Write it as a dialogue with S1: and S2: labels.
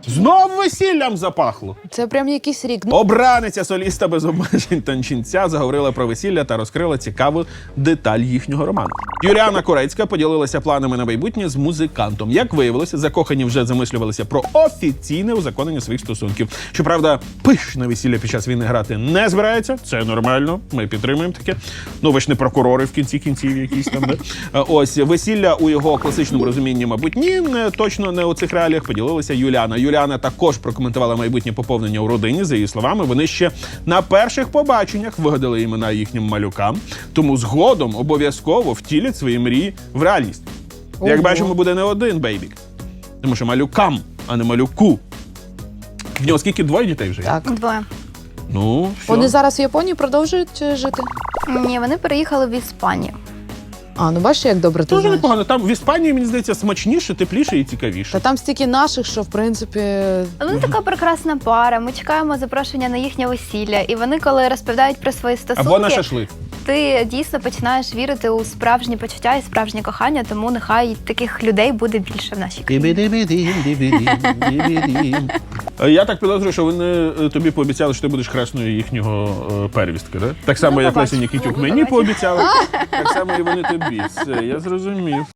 S1: Знов весіллям запахло.
S2: Це прям якийсь рік.
S1: Обраниця соліста без обмежень танчинця заговорила про весілля та розкрила цікаву деталь їхнього роману. Юліана Корецька поділилася планами на майбутнє з музикантом. Як виявилося, закохані вже замислювалися про офіційне узаконення своїх стосунків. Щоправда, пишне весілля під час війни грати не збирається. Це нормально, ми підтримуємо таке. Ну, ви ж не прокурори в кінці кінців якісь там. Не? Ось, весілля у його класичному розумінні, мабуть, ні, точно не у цих реаліях, поділилася Юліана. Юліана також прокоментувала майбутнє поповнення у родині. За її словами, вони ще на перших побаченнях вигадали імена їхнім малюкам, тому згодом обов'язково втілять свої мрії в реальність. Як бачимо, буде не один бейбік. Тому що малюкам, а не малюку. В нього скільки? 2 дітей вже?
S2: Так.
S3: 2.
S1: Ну, все.
S2: Вони зараз в Японії продовжують жити?
S3: Ні, вони переїхали в Іспанію.
S2: А, ну бачиш, як добре ти
S1: Дуже
S2: знаєш.
S1: непогано. Там в Іспанії, мені здається, смачніше, тепліше і цікавіше.
S2: Та там стільки наших, що, в принципі...
S3: Вони така прекрасна пара. Ми чекаємо запрошення на їхнє весілля. І вони, коли розповідають про свої стосунки,
S1: Або на шашлик.
S3: ти дійсно починаєш вірити у справжні почуття і справжнє кохання, тому нехай таких людей буде більше в нашій країні.
S1: Я так підозрюю, що вони тобі пообіцяли, що ти будеш хресною їхнього первістка, да? Так само,
S3: Ну,
S1: як
S3: побачимо.
S1: Леся Нікітюк
S3: Ну,
S1: мені
S3: побачимо.
S1: пообіцяли, так само і вони тобі. Все, я зрозумів.